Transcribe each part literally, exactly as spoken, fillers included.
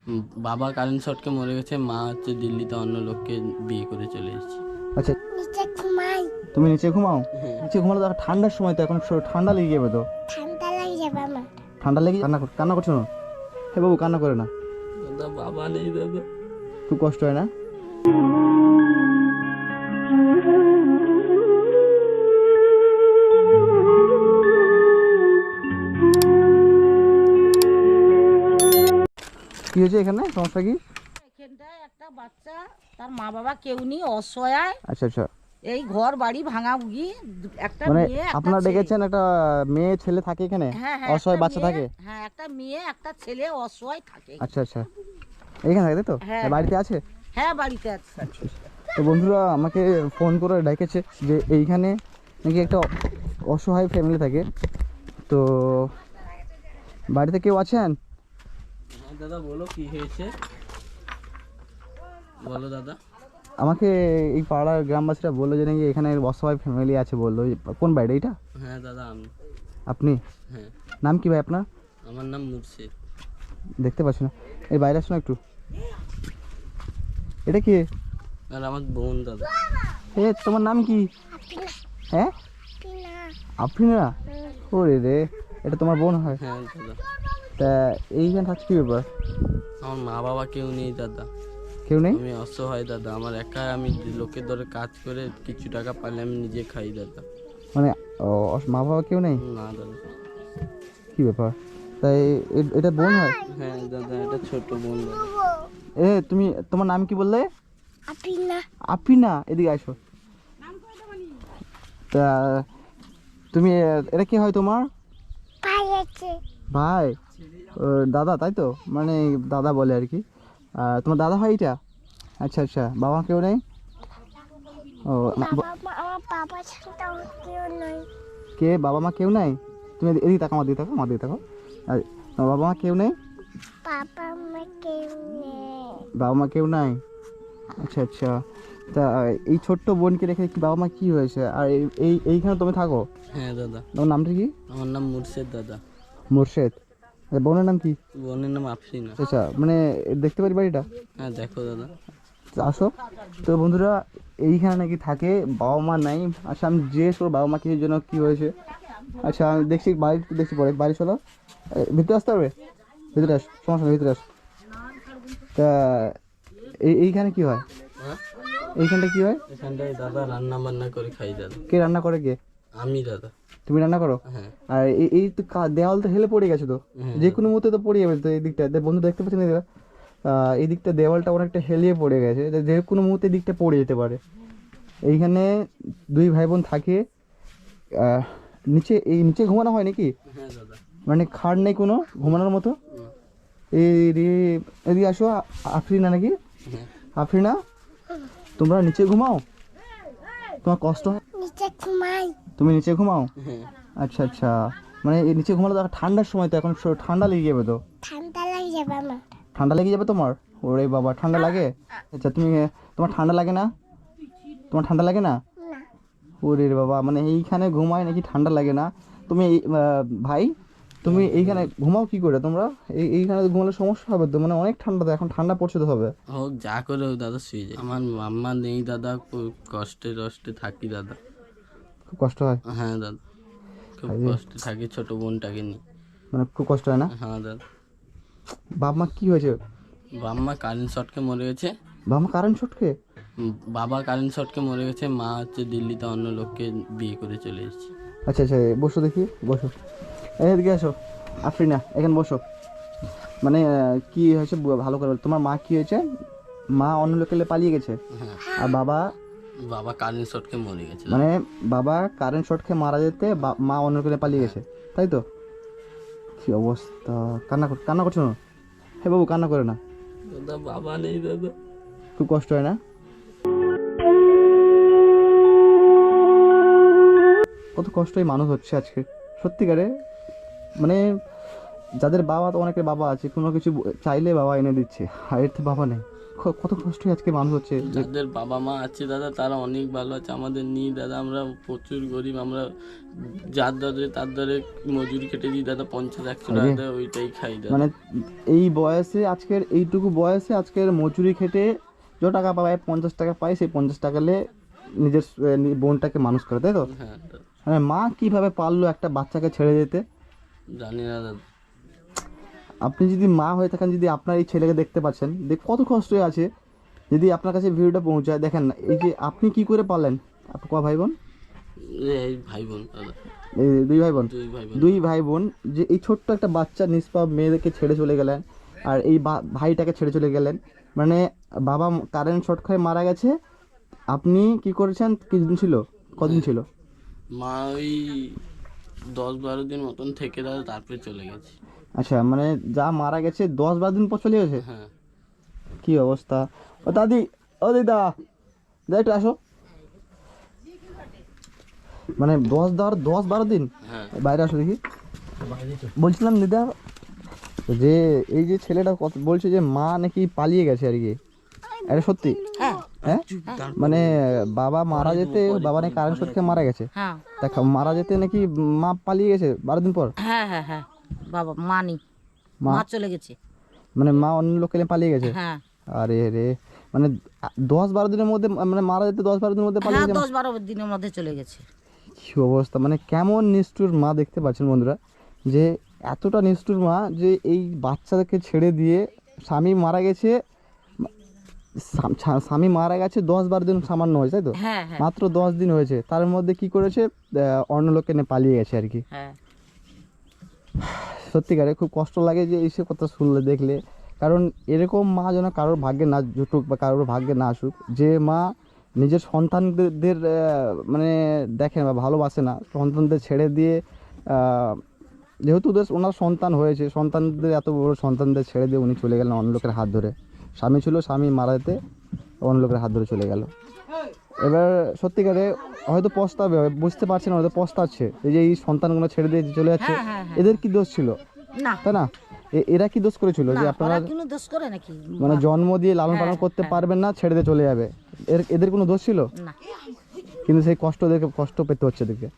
উম, বাবা কারেন্ট শর্টকে মরে গেছে, মা হচ্ছে দিল্লিতে অন্য লোককে বিয়ে করে চলে এসেছে। আচ্ছা, নিচে ঘুমাই। তুমি নিচে ঘুমাও? হ্যাঁ নিচে ঘুমালে তো ঠান্ডার সময়, তো এখন স- ঠান্ডা লেগে যাবে তো। ঠান্ডা লাগে যাবে আমার। ঠান্ডা লেগে কান্না কর- কান্না করছো না? হে বাবু, কান্না করে না, দাদা, বাবা নেই দাদা। খুব কষ্ট হয় না? কি হয়েছে এখানে, সমস্যা কি? এখানটায় একটা বাচ্চা, তার মা বাবা কেউ নেই, অসহায়। আচ্ছা আচ্ছা, এই ঘর বাড়ি ভাঙাভুগি, একটা মানে মেয়ে একটা আপনারা ছেলে। ডেকেছেন, একটা মেয়ে ছেলে থাকে এখানে, হ্যাঁ হ্যাঁ, অসহায় একটা বাচ্চা মেয়ে- থাকে? হ্যাঁ, একটা মেয়ে একটা ছেলে অসহায় থাকে। আচ্ছা আচ্ছা, এইখানে থাকে তাই তো? হ্যাঁ, বাড়িতে আছে? হ্যাঁ বাড়িতে আছে। তো বন্ধুরা আমাকে ফোন করে ডেকেছে যে এইখানে নাকি একটা অসহায় ফ্যামিলি থাকে, তো বাড়িতে কেউ আছেন? হ্যাঁ দাদা, বলো কি হয়েছে, বলো দাদা। আমাকে এই পাড়ার গ্রামবাসীরা বললো যে নাকি এখানে অসহায় ফ্যামিলি আছে, বললো। কোন বাড়ি এটা? হ্যাঁ দাদা, আমি। আপনি? হ্যাঁ, নাম কি ভাই আপনার? আমার নাম মুর্শিদ। দেখতে পাচ্ছি না, এই বাইরে আসুন একটু। এটা কি? আর আমার বোন দাদা। এ তোমার নাম কি? হ্যাঁ, পিনা। আফরিনা? ওরে রে, এটা তোমার বোন হয়? হ্যাঁ দাদা, তা এইখানে থাকছে কি ব্যাপার? আমার মা বাবা কেউ নেই দাদা। কেউ নেই? আমি অসহায় দাদা, আমার একা, আমি লোকের ধরে কাজ করে কিছু টাকা পাইলে আমি নিজে খাই দাদা। মানে ও, মা বাবা কেউ নেই? না দাদা। কি ব্যাপার? তাই এ- এটা বোন হয়? হ্যাঁ দাদা, এটা ছোট বোন দাদা। এ তুমি, তোমার নাম কি বললে? পিনা। আফরিনা, এদিকে আসো। তা তুমি, এটা কি হয় তোমার? পাই আছে। ভাই? ও, দাদা তাই তো, মানে দাদা বলে আর কি। আর তোমার দাদা হয় এটা? আচ্ছা আচ্ছা, বাবা কেউ নেই? ও, মা- বাবা মা আমার বাবা ছাড়া কেউ নাই। কে বাবা মা কেউ নাই? তুমি এদি- এদিকে তাকো, আমার দিকে তাকো, আমার দিকে তাকো। আর তোমার বাবা মা কেউ নেই? বাবা মা কেউ নেই। বাবা মা কেউ নাই? আচ্ছা আচ্ছা, তা এই ছোট্ট বোনকে রেখে কি বাবা মা কি হয়েছে? আর এই- এই এইখানে তুমি থাকো? হ্যাঁ দাদা, তোমার নামটা কি? আমার নাম মুর্শিদ দাদা। মোর্শেদ। আর বোনের নাম কি? বোনের নাম আফরিনা। আচ্ছা, মানে দেখতে পারি বাড়িটা? হ্যাঁ দেখো দাদা। তো আসো। তো বন্ধুরা, এইখানে নাকি থাকে, বাবা মা নাই। আচ্ছা, আমি জিজ্ঞেস করবো বাবা মা কিছুর জন্য কি হয়েছে। আচ্ছা, আমি দেখছি বাড়ি, দেখছি পরে বাড়ি চলো। এ, ভিতরে আসতে হবে? ভিতরে আস, সমস্যা নেই, ভিতরে আস। তা এই এইখানে কি হয়? হ্যাঁ, এইখানটা কি হয়? এখানটায় দাদা রান্না বান্না করে খাই দাদা। কে রান্না করে? কে? আমি দাদা। তুমি রান্না করো? হ্যাঁ। আর এই এই তো কা- দেওয়াল তো হেলে পড়ে গেছে তো, হ্যাঁ যে কোনো মুহূর্তে তো পড়ে যাবে তো এই দিকটা। দে- বন্ধু দেখতে পাচ্ছেন এদিকটা? আহ, এই দিকটা দেওয়ালটা অনেকটা হেলিয়ে পড়ে গেছে, যে যে কোনো মুহূর্তে এই দিকটা পড়ে যেতে পারে। এইখানে দুই ভাই বোন থাকে। আহ, নিচে, এই নিচে ঘুমানো হয় নাকি? হ্যাঁ দাদা। মানে খাট নেই কোনো ঘুমানোর মতো? হুম। এই রে, এদিকে আসো। আ- আফরিনা নাকি? হ্যাঁ। আফরিনা, তোমরা নিচে ঘুমাও? তোমার কষ্ট হয়? নিচে ঘুমাই। তুমি নিচে ঘুমাও? হ্যাঁ। আচ্ছা আচ্ছা, মানে এই নিচে ঘুমালে তো ঠান্ডার সময়, তো এখন স- ঠান্ডা লেগে যাবে তো। ঠান্ডা লাগে যাবে আমার। ঠান্ডা লেগে যাবে তোমার? ওরে বাবা, ঠান্ডা লাগে? আচ্ছা, তুমি, তোমার ঠান্ডা লাগে না? তোমার ঠান্ডা লাগে না? না। ওরে বাবা, মানে এইখানে ঘুমায় নাকি ঠান্ডা লাগে না? তুমি এই- আহ, ভাই, তুমি এইখানে ঘুমাও কি করে তোমরা? এই এইখানে ঘুমালে সমস্যা হবে তো, মানে অনেক ঠান্ডা তো, এখন ঠান্ডা পড়ছে তো হবে। হোক, যা করে হোক দাদা, শুয়ে যায়। আমার মাম্মা নেই দাদা, খুব কষ্টে কষ্টে থাকি দাদা। খুব কষ্ট হয়? হ্যাঁ দাদা, খুব আরে। কষ্টে থাকি ছোট বোনটাকে নিয়ে। মানে খুব কষ্ট হয় না? হ্যাঁ দাদা। বাপ মা কি হয়েছে? বাম্মা কারেন্ট শর্টকে মরে গেছে। বাপ মা কারেন্ট ছটকে? উম, বাবা কারেন্ট শর্টকে মরে গেছে, মা হচ্ছে দিল্লিতে অন্য লোককে বিয়ে করে চলে এসেছে। আচ্ছা আচ্ছা, বসো দেখি, বসো। এই এদিকে আসো, আফরিনা এখানে বসো। মানে আহ, কি হয়েছে ব- ভালো করে বলো। তোমার মা কি হয়েছে? মা অন্য লোকেলে পালিয়ে গেছে, হ্যাঁ, আর বাবা? বাবা কারেন্ট শর্টকে মরে গেছে দাদা। মানে বাবা কারেন্ট শর্ট খেয়ে মারা যেতে বা- মা অন্য লোকেলে পালিয়ে গেছে, তাই তো? কি অবস্থা, কান্না কর, কান্না করছো না? হে বাবু, কান্না করে না, দাদা, বাবা নেই দাদা। খুব কষ্ট হয় না? কত কষ্টই মানুষ হচ্ছে আজকে, সত্যিকারে। মানে যাদের বাবা, তো অনেকের বাবা আছে, কোনো কিছু চাইলে বাবা এনে দিচ্ছে, আর এর তো বাবা নেই। ক- কত কষ্ট আজকে মানুষ হচ্ছে। যাদের বাবা মা আছে দাদা তারা অনেক ভালো আছে, আমাদের নিয়ে দাদা আমরা প্রচুর গরিব। আমরা যার দরে তার দরে মজুরি খেটে দিই দাদা, পঞ্চাশ একশো টাকা দেয়, ওইটাই খাই দাদা। মানে এই বয়সে, আজকের এইটুকু বয়সে আজকের মজুরি খেটে যে টাকা পায়, পঞ্চাশ টাকা পায়, সেই পঞ্চাশ টাকা লে নিজের আহ, নি- বোনটাকে মানুষ করে, তাই তো? হ্যাঁ দাদা, মানে মা কিভাবে পারলো একটা বাচ্চাকে ছেড়ে যেতে? জানি না দাদা। আপনি যদি মা হয়ে থাকেন, যদি আপনার এই ছেলেকে দেখতে পাচ্ছেন, দেখ কত কষ্ট আছে, যদি আপনার কাছে ভিডিওটা পৌঁছায়, দেখেন না এই যে আপনি কি করে পারলেন। আপনি ক ভাই বোন? এই ভাই বোন দাদা, এই দুই ভাই বোন। দুই ভাই বোন। দুই ভাই বোন যে এই ছোট্ট একটা বাচ্চা নিষ্পাপ মেয়েদেরকে ছেড়ে চলে গেলেন, আর এই বা- ভাইটাকে ছেড়ে চলে গেলেন। মানে বাবা কারেন্ট শর্ট খেয়ে মারা গেছে, আপনি কি করেছেন? কিছুদিন ছিল, কদিন ছিল? মা ওই দশ বারো দিন মতন থেকে দাদা তারপরে চলে গেছে। আচ্ছা, মানে যা মারা গেছে দশ বারো দিন পর চলে গেছে। হ্যাঁ কি অবস্থা! ও দাদি, ও দিদা, দা একটু আসো। মানে দশ দর দশ বারো দিন হ্যাঁ বাইরে আসো দেখি। বলছিলাম দিদা, যে এই যে ছেলেটা কত বলছে যে মা নাকি পালিয়ে গেছে আর কি, এটা সত্যি? হ্যাঁ হ্যাঁ, মানে বাবা মারা যেতে, বাবা নাকি কারেন্ট শর্ট খেয়ে মারা গেছে, হ্যাঁ তা মারা যেতে নাকি মা পালিয়ে গেছে বারো দিন পর? হ্যাঁ হ্যাঁ হ্যাঁ বাবা মা নেই, মা মা চলে গেছে। মানে মা অন্য লোককে নিয়ে পালিয়ে গেছে? হ্যাঁ আরে রে, মানে দশ বারো দিনের মধ্যে, মানে মারা যেতে দশ বারো দিনের মধ্যে পালিয়ে হ্যাঁ গেছে? দশ বারো দিনের মধ্যে চলে গেছে। কি অবস্থা! মানে কেমন নিষ্ঠুর মা, দেখতে পাচ্ছেন বন্ধুরা, যে এতটা নিষ্ঠুর মা যে এই বাচ্চাদেরকে ছেড়ে দিয়ে, স্বামী মারা গেছে, স্বাম- স্বা- স্বামী মারা গেছে দশ বারো দিন সামান্য হয়েছে, তাই তো? হ্যাঁ হ্যাঁ মাত্র দশ দিন হয়েছে, তার মধ্যে কি করেছে, আহ, অন্য লোককে নিয়ে পালিয়ে গেছে আর কি। হ্যাঁ সত্যিকারে খুব কষ্ট লাগে যে এইসব কথা শুনলে, দেখলে। কারণ এরকম মা যেন কারোর ভাগ্যে না জুটুক বা কারোর ভাগ্যে না আসুক, যে মা নিজের সন্তানদের আহ, মানে দেখে বা ভালোবাসে না, সন্তানদের ছেড়ে দিয়ে, আহ, যেহেতু ওদের ওনার সন্তান হয়েছে, সন্তানদের এত বড় সন্তানদের ছেড়ে দিয়ে উনি চলে গেলেন অন্য লোকের হাত ধরে। স্বামী ছিল, স্বামী মারা যেতে অন্য লোকের হাত ধরে চলে গেল। এবার সত্যিকারে হয়তো পস্তাবে, বুঝতে পারছে না, হয়তো পস্তাচ্ছে এই যে এই সন্তানগুলো ছেড়ে দিয়ে চলে যাচ্ছে। হ্যাঁ হ্যাঁ হ্যাঁ এদের কি দোষ ছিল, না তাই না? এ- এরা কি দোষ করেছিল না, যে আপনারা ওরা কোনো দোষ করে নাকি? মানে জন্ম দিয়ে লালন পালন হ্যাঁ, করতে হ্যাঁ। পারবেন না, ছেড়ে দিয়ে চলে যাবে? এর এদের কোনো দোষ ছিল? না কিন্তু সেই কষ্ট দেখে কষ্ট পেতে হচ্ছে এদেরকে।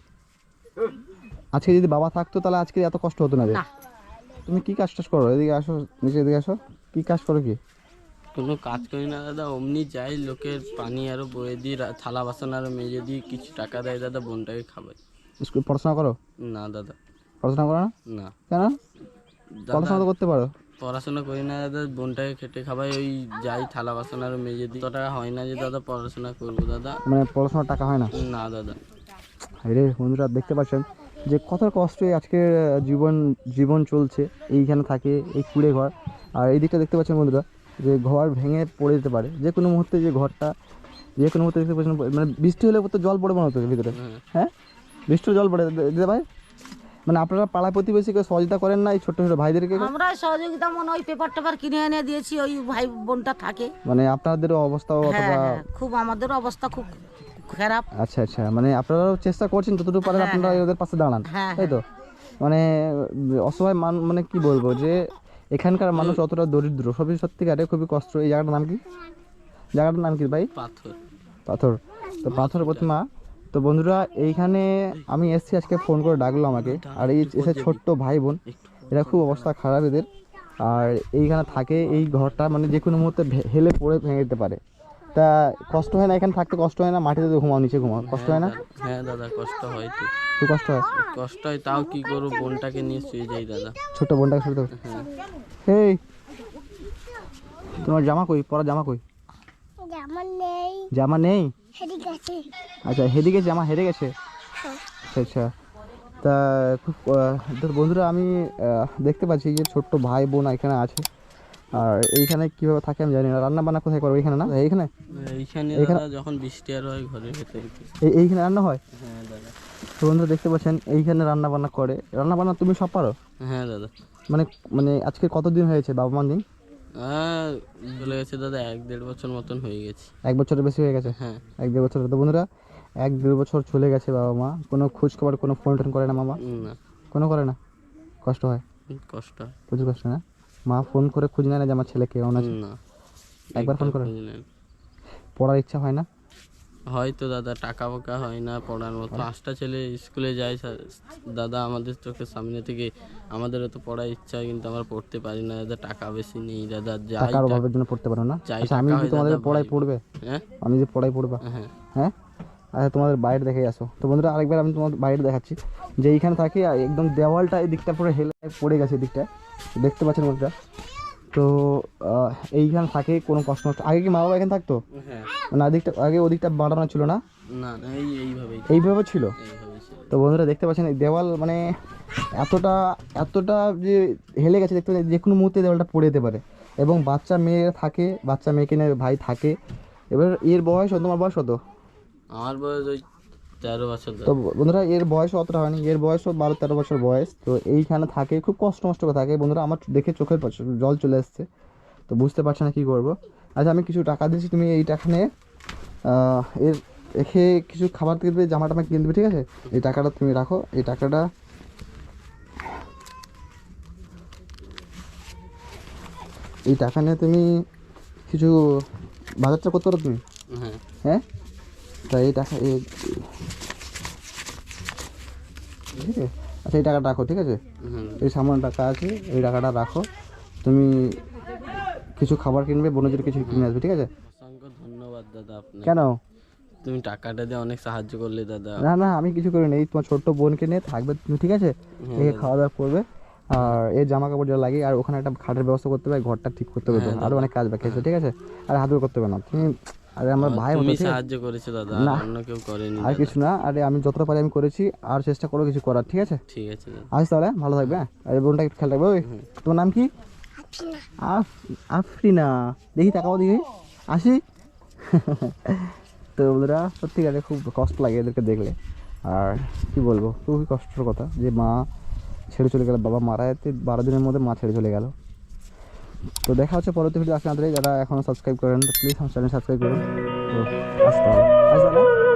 আজকে যদি বাবা থাকতো তাহলে আজকে এত কষ্ট হতো না। এদের। না তুমি কি কাজ টাজ করো? এদিকে আসো, নিচে এদিকে আসো। কি কাজ করো কি? কোনো কাজ করি না দাদা, অমনি যাই, লোকের পানি আরো বয়ে দিই, রা- থালা বাসন আরো মেজে দিই, কিছু টাকা দেয় দাদা, বোনটাকে খাবাই। স্কুল পড়াশোনা করো? না দাদা, পড়াশোনা করো না না কেন? দাদা, পড়াশোনা তো করতে পারো। পড়াশোনা করি না দাদা, বোনটাকে খেটে খাবাই, ওই যাই থালা বাসন আরো মেজে দিই। কত টাকা হয় না যে দাদা পড়াশোনা করবো দাদা। মানে পড়াশোনার টাকা হয় না? না দাদা, রে বন্ধুরা, দেখতে পাচ্ছেন যে কত কষ্টে আজকের জীবন জীবন চলছে। এইখানে থাকে এই কুড়ে ঘর, আর এই দিকটা দেখতে পাচ্ছেন বন্ধুরা, যে ঘর ভেঙে পড়ে যেতে পারে যে কোনো মুহূর্তে, যে ঘরটা যে কোনো মুহূর্তে দেখতে পাচ্ছেন, মানে বৃষ্টি হলে তো জল পড়ে মনে হতো ভিতরে। হ্যাঁ। হ্যাঁ, বৃষ্টির জল পড়ে দিতে ভাই। মানে আপনারা পাড়া প্রতিবেশীকে সহযোগিতা করেন না এই ছোট্ট ছোট ভাইদেরকে? আমরা সহযোগিতা মনে ওই পেপার টেপার কিনে এনে দিয়েছি, ওই ভাই বোনটা থাকে। মানে আপনাদেরও অবস্থাও হ্যাঁ অতটা? হ্যাঁ খুব, আমাদের অবস্থা খুব খারাপ। আচ্ছা আচ্ছা, মানে আপনারাও চেষ্টা করছেন যতটুকু পারেন, হ্যাঁ, আপনারা ওদের পাশে দাঁড়ান, হ্যাঁ, তাই তো? মানে অসহায় মান, মানে কি বলবো, যে এখানকার মানুষ অতটা দরিদ্র, সবই সত্যিকারে খুবই কষ্ট। এই জায়গাটার নাম কি? জায়গাটার নাম কি ভাই? পাথর। পাথর। তো পাথর প্রতিমা। তো বন্ধুরা, এইখানে আমি এসছি আজকে, ফোন করে ডাকলো আমাকে, আর এই এসে ছোট্ট ভাই বোন, এরা খুব অবস্থা খারাপ এদের। আর এইখানে থাকে, এই ঘরটা মানে যে কোনো মুহূর্তে ভে- হেলে পড়ে ভেঙে যেতে পারে। তা কষ্ট হয় না এখানে থাকতে? কষ্ট হয় না? মাটিতে তো ঘুমাও, নিচে ঘুমাও, কষ্ট হয় না? হ্যাঁ দাদা, কষ্ট হয় তো, খুব কষ্ট হয়। কষ্ট হয়, তাও কি করবো, বোনটাকে নিয়ে শুয়ে যাই দাদা। ছোট্ট বোনটাকে শুরু হ্যাঁ। হেই, তোমার জামা কই? পরা জামা কই? যেমন নেই জামা নেই? হেরি গেছে। আচ্ছা, হেরে গেছে, জামা হেরে গেছে। আচ্ছা আচ্ছা। তা খুব আহ, তো বন্ধুরা, আমি আহ, দেখতে পাচ্ছি যে ছোট্ট ভাই বোন এখানে আছে, আর এইখানে কীভাবে থাকে আমি জানি না। রান্না বান্না কোথায় করো? এইখানে না? এইখানে এইখানে এখানে- দাদা যখন বৃষ্টি আর হয় ঘরের ভেতরে। এই এইখানে রান্না হয়? হ্যাঁ দাদা। তো বন্ধুরা দেখতে পাচ্ছেন এইখানে রান্না বান্না করে। রান্না বান্না তুমি সব পারো? হ্যাঁ দাদা। মানে মানে আজকে কতদিন হয়েছে বাবা মা নেই? হ্যাঁ চলে গেছে দাদা, এক দেড় বছর মতন হয়ে গেছে। এক বছরের বেশি হয়ে গেছে? হ্যাঁ। এক দেড় বছর। তো বন্ধুরা, এক দেড় বছর চলে গেছে বাবা মা, কোনো খোঁজ খবর, কোনো ফোন টোন করে না মামা? না। কোনো করে না? কষ্ট হয়? কষ্ট হয়। প্রচুর কষ্ট না? মা ফোন করে খুঁজ নেয় না যে আমার ছেলে কেমন আছে? না একবার ফোন করে? বুঝলেন, পড়ার ইচ্ছা হয় না? হয়তো দাদা টাকা ফাকা হয় না পড়ার মতো। পাঁচটা ছেলে স্কুলে যায় স্যার- দাদা আমাদের চোখের সামনে থেকে, আমাদেরও তো পড়ার ইচ্ছা হয় কিন্তু আমরা পড়তে পারি না দাদা, টাকা বেশি নেই দাদা। যাই টাকার অভাবের জন্য পড়তে পারো না? যাই আচ্ছা, আমি টাকা যদি হয় তোমাদের দাদা, পড়াই ভাই। পড়বে, হ্যাঁ আমি যে পড়াই পড়বা, হ্যাঁ হ্যাঁ? আচ্ছা, তোমাদের বাইরে দেখে আসো। তো বন্ধুরা আরেকবার আমি তোমাদের বাইরে দেখাচ্ছি যে এইখানে থাকে একদম দেওয়ালটা এই দিকটা পুরো হেলে পড়ে গেছে, এই দিকটা দেখতে পাচ্ছেন বন্ধুরা। তো আহ, এইখানে থাকে কোনো কষ্ট নষ্ট। আগে কি মা বাবা এখানে থাকতো হ্যাঁ না? দিকটা আগে ওদিকটা বাড়ানো ছিল না? না না এই এইভাবেই এইভাবে ছিল। এইভাবে ছিল। তো বন্ধুরা দেখতে পাচ্ছেন এই দেওয়াল মানে এতটা এতটা যে হেলে গেছে, দেখতে পাচ্ছেন যে কোনো মুহূর্তে দেওয়ালটা পড়ে যেতে পারে। এবং বাচ্চা মেয়ে থাকে, বাচ্চা মেয়েকে নিয়ে ভাই থাকে। এবার এর বয়স, তোমার বয়স কত? আমার বয়স ওই তেরো বছর তো দাদা। বন্ধুরা এর বয়স অতটা হয়নি, এর বয়সও বারো তেরো বছর বয়স। তো এইখানে থাকে, খুব কষ্ট মষ্ট করে থাকে বন্ধুরা। আমার দেখে চোখের পাশে জল চলে আসছে, তো বুঝতে পারছি না কী করবো। আচ্ছা, আমি কিছু টাকা দিচ্ছি, তুমি এই টাকা নিয়ে আহ, এর রেখে কিছু খাবার কিনবে, জামা টামা কিনে দেবে, ঠিক আছে? এই টাকাটা তুমি রাখো, এই টাকাটা এই টাকা নিয়ে তুমি কিছু বাজারটা করতে পারো তুমি, হ্যাঁ হ্যাঁ? তা এই টাকা এই ঠিক আছে? আচ্ছা, এই টাকাটা রাখো, ঠিক আছে? হুম এই সামান্য টাকা আছে, এই টাকাটা রাখো। তুমি কিছু খাবার কিনবে, বোনদের কিছু কিনে আসবে, ঠিক আছে? অসংখ্য ধন্যবাদ দাদা আপনাকে। কেন? তুমি টাকাটা দিয়ে অনেক সাহায্য করলে দাদা। না না, আমি কিছু করি না, এই তোমার ছোট্ট বোনকে নিয়ে থাকবে তুমি, ঠিক আছে? একে খাওয়া দাওয়া করবে, আর এর জামা কাপড় যা লাগে, আর ওখানে একটা খাটের ব্যবস্থা করতে হবে, ঘরটা ঠিক করতে হবে, তো আরও অনেক কাজ বাকি আছে, ঠিক আছে? আর হাত ধরে করতে হবে না তুমি, আরে আমার ভাই মতো, তুমি ঠিক আছে? সাহায্য করেছো দাদা, না। আর অন্য কেউ করেনি আর দাদা। কিছু না, আরে আমি যতটা পারি আমি করেছি, আর চেষ্টা করো কিছু করার, ঠিক আছে? ঠিক আছে দাদা। আজ তাহলে ভালো থাকবে, হ্যাঁ? আর এই বোনটাকে খেয়াল রাখবে। ওই তোমার নাম কি? আফ আফরিনা। দেখি তাকাও দেখি, আসি। তো বন্ধুরা সত্যিকারে খুব কষ্ট লাগে এদেরকে দেখলে। আর কি বলবো, খুবই কষ্টের কথা যে মা ছেড়ে চলে গেল, বাবা মারা যেতে বারো দিনের মধ্যে মা ছেড়ে চলে গেল। তো দেখা হচ্ছে পরবর্তী ভিডিও আসলে, যারা এখনও সাবস্ক্রাইব করেন তো প্লিজ আমার চ্যানেল সাবস্ক্রাইব করুন। তো আসতে হবে, আসতে হবে।